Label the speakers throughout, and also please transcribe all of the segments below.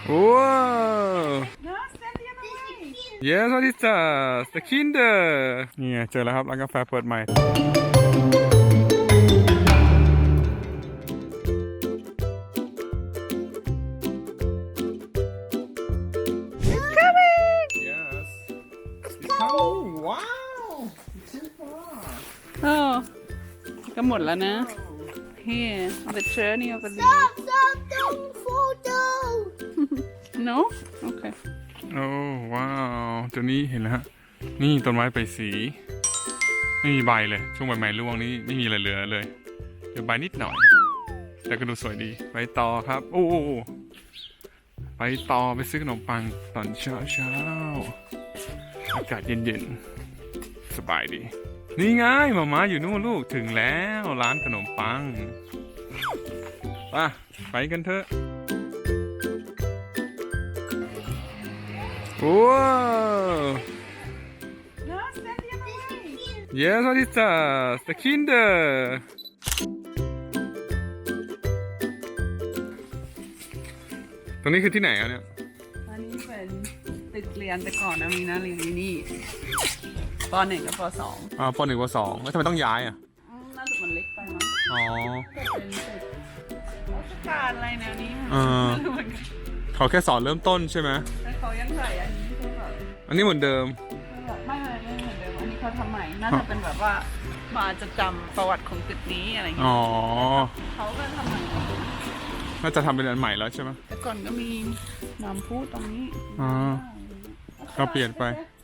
Speaker 1: Wow! Yes, what is that? The Kinder นี่ไงเจอแล้วครับร้านกาแฟเปิดใหม่ Yes. It's coming. Wow.
Speaker 2: Oh ก็หมดแล้วนะ Here the journey of a
Speaker 3: Stop, don't photo.
Speaker 2: No Okay
Speaker 1: โอ้ว้าวตัวนี้เห็นแล้วฮะนี่ต้นไม้ใบสีไม่มีใบเลยช่วงใบใหม่ร่วงนี้ไม่มีอะไรเหลือเลยเดี๋ยวใบนิดหน่อยแต่ก็ดูสวยดีไปต่อครับโอ้ไปต่อไปซื้อขนมปังตอนเช้าอากาศเย็นๆสบายดีนี่ไงหมาอยู่นู่นลูกถึงแล้วร้านขนมปังไปกันเถอะWow!
Speaker 2: No stand the other way
Speaker 1: Yes, what is that? The Kinder. ตรงนี้คือที่ไหนอ่ะเนี่ย
Speaker 2: อันนี้เป็นตึกเรียนแต่ก่อนนะมีนะเรียนที่นี่ป .1 กับป .2
Speaker 1: ปหนึ่งปสองแล้วทำไมต้องย้ายอ่ะ
Speaker 2: น่าจะมันเล็กไปมั้ง
Speaker 1: อ๋อ
Speaker 2: เป็นตึกราชการอะไรแนวนี้ ไม่รู้เหมือนกัน
Speaker 1: เขาแค่สอนเริ่มต้นใช่ไหม
Speaker 2: แต่เขายังใส่อันนี้คือแบบ
Speaker 1: อันนี้เหมือนเดิม
Speaker 2: ไม่เหมือนเดิมอันนี้เขาทำใหม่น่าจะเป็นแบบว่ามาจะจำประวัติของตึกนี้อะไรอย่างเงี้
Speaker 1: อ๋
Speaker 2: ย
Speaker 1: อ
Speaker 2: เขาก็ทำใหม่
Speaker 1: น่าจะทำเป็นอันใหม่แล้วใช่ไหม
Speaker 2: แต่ก่อนก็มีน้ำพุตรงนี้
Speaker 1: อ๋อ ก็เปลี่ยนไป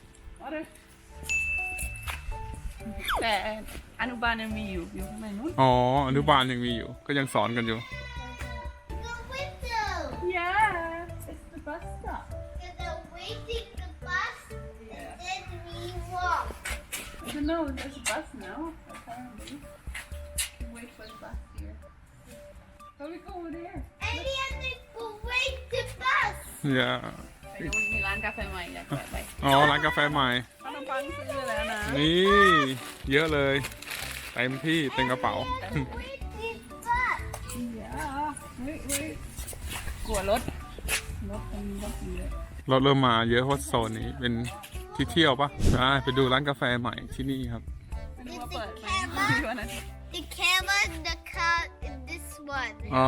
Speaker 2: แต่อนุบาลยังมีอยู่ข้างในนู้น
Speaker 1: อ๋อ อนุบาลยังมีอยู่ ก็ยังสอนกันอยู่
Speaker 3: The window.
Speaker 2: Yeah it's the bus stop
Speaker 3: And then waiting the bus. And then we walk.
Speaker 2: I don't know there's a bus now apparently we wait for the bus here how we go over there
Speaker 3: And we have to go wait the bus.
Speaker 1: อย่า
Speaker 2: ไปนู้นมีร้านกาแฟใหม่อยากแวะไป
Speaker 1: อ๋อ ร้านกาแฟใหม่
Speaker 2: ขนมปังซื้อแล้วนะ
Speaker 1: นี่ เยอะเลยเต็มที่เต็มกระเป๋า
Speaker 3: Wait the bus.
Speaker 2: อย่าเฮ้ยกลัวรถตรงนี้รถเยอะ
Speaker 1: รถเริ่มมาเยอะเพราะโซนนี้เป็นที่เที่ยวปะไปดูร้านกาแฟใหม่ที่นี่ครับ
Speaker 2: ไม่รู้ว่าเปิดไหมวันนั้น
Speaker 3: The camera and the car in this one.
Speaker 1: อ๋อ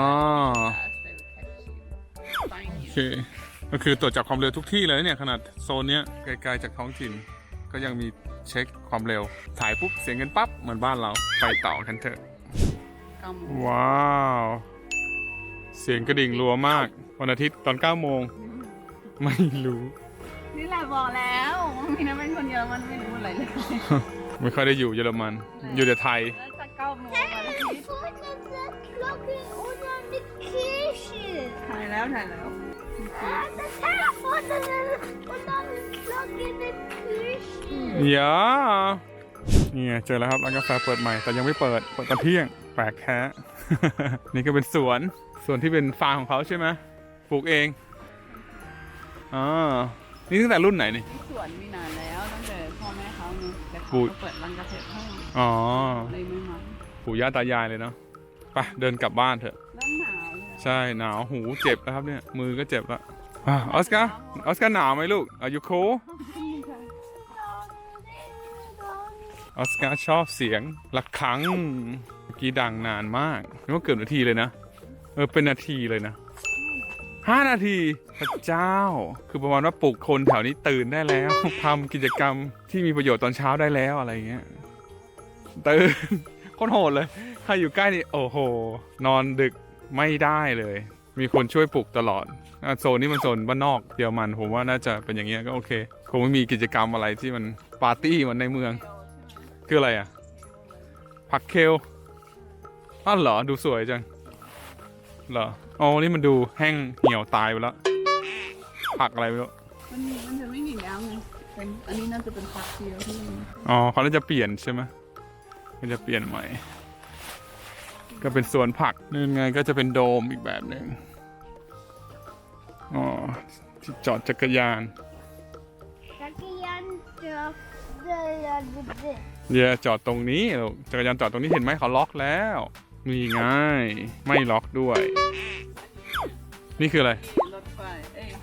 Speaker 2: Find
Speaker 1: โอ
Speaker 2: you
Speaker 1: เค ก็คือตรวจจับความเร็วทุกที่เลยเนี่ยขนาดโซนเนี้ยไกลๆจากท้องถิ่น ก็ยังมีเช็คความเร็ว ถ่ายปุ๊บเสียงกันปั๊บเหมือนบ้านเรา ไปต่อกันเถอะ
Speaker 2: กำ
Speaker 1: ว้าว เสียงกระดิ่งรัวมาก วันอาทิตย์ตอน9 โมง ไม่รู้
Speaker 2: นี่แหละบอกแล้วมีน้าเป็นคนเยอรมันไม่รู้อะไรเลย
Speaker 1: ไม่ค่อยได้อยู่เยอรมัน อยู่แต่ไทย
Speaker 2: แล้วจะ9 โมงวันอาทิตย์
Speaker 3: Look at the clock on the kitchen.
Speaker 2: ถ่ายแล้ว
Speaker 3: And the telephone on the clock in the kitchen.
Speaker 1: อย่านี่ไงเจอแล้วครับร้านกาแฟเปิดใหม่แต่ยังไม่เปิดตอนเที่ยงแปลกแท้ นี่ก็เป็นสวนที่เป็นฟาร์มของเขาใช่ไหมปลูกเองอ๋อนี่ตั้งแต่รุ่นไหนนี่
Speaker 2: สวนมีนานแล้วตั้งแต่พ่อแม่เขาเนี่ยแต่เขา
Speaker 1: ปลูก
Speaker 2: ก็เปิดร้านกาแฟให้
Speaker 1: อ๋อ
Speaker 2: เลยไม่มา
Speaker 1: ปู่ย่าตายายเลยเนาะไปเดินกลับบ้านเถอะ
Speaker 2: เริ่มหนาวเลย
Speaker 1: ใช่หนาวหูเจ็บแล้วครับเนี่ยมือก็เจ็บละออสการ์หนาวไหมลูกอายุโคออสการ์ชอบเสียงระฆังเมื่อกี้ดังนานมากนึกว่าเกือบนาทีเลยนะเป็นนาทีเลยนะ5 นาทีพระเจ้าคือประมาณว่าปลุกคนแถวนี้ตื่นได้แล้วทำกิจกรรมที่มีประโยชน์ตอนเช้าได้แล้วอะไรเงี้ยตื่นโคตรโหดเลยใครอยู่ใกล้นี่โอ้โหนอนดึกไม่ได้เลย มีคนช่วยปลุกตลอดโซนนี้มันโซนบ้านนอกเยอรมันผมว่าน่าจะเป็นอย่างเงี้ยก็โอเคคงไม่มีกิจกรรมอะไรที่มันปาร์ตี้เหมือนในเมืองคืออะไรอ่ะผักเคลอ้าวเหรอดูสวยจังเหรออ๋อนี่มันดูแห้งเหี่ยวตายไปแล้วผักอะไรไม่รู้
Speaker 2: มันจะไม่มีแล้วไงเป็นอันนี้น่าจะเป็นพักเดียวที่
Speaker 1: อ๋อเขาน่าจะเปลี่ยนใช่ไหมเขาจะเปลี่ยนใหม่ก็เป็นสวนผักนี่ไงก็จะเป็นโดมอีกแบบหนึ่งอ๋อที่จอดจักรยาน เดี๋ยวจอดตรงนี้ลูกจักรยานจอดตรงนี้เห็นไหมเขาล็อกแล้วนี่ไงไม่ล็อกด้วย นี่คืออะไร
Speaker 2: รถไฟ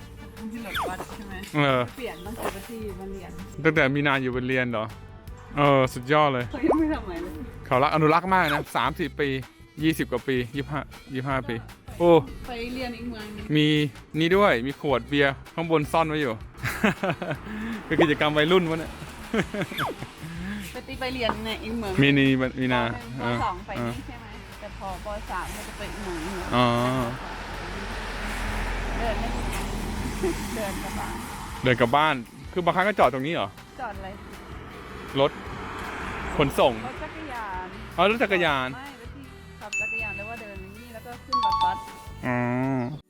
Speaker 2: ที่รถบัสใช่ไหม
Speaker 1: เออ
Speaker 2: เปลี่ยนตั้งแต่ที่มาเรียน
Speaker 1: ตั้งแต่มีนาอยู่บนเรียนเหรอ สุดยอดเลย
Speaker 2: เขายังไม่ทำอะไรเลย
Speaker 1: เขารักอนุรักษ์มากนะ30 ปี 20 กว่าปี 25 ปี โอ้
Speaker 2: ไปเรียนอีกเมืองหนึง
Speaker 1: มีนี่ด้วย มีขวดเบียร์ข้างบนซ่อนไว้อยู่ คือกิจกรรมวัยรุ่นวะเนี่ย
Speaker 2: ไปเรียนในอีกเมือง
Speaker 1: มีนา
Speaker 2: ปสองไปนี่ใช่ไหมแต่พอปสามมันจะไปอีกเมืองหนึ่ง
Speaker 1: อ๋อ
Speaker 2: เดินไม่เดินกลับบ้าน
Speaker 1: เดินกลับบ้าน คือบางครั้งก็จอดตรงนี้เหรอ
Speaker 2: จอดอะไร
Speaker 1: รถขนส่ง
Speaker 2: รถจักรยาน
Speaker 1: อ๋อรถจักรยาน
Speaker 2: ไม่แล้วที่ขับจักรยานแล้วว่าเดินนี่แล้วก็ขึ้นบัส
Speaker 1: อ๋อ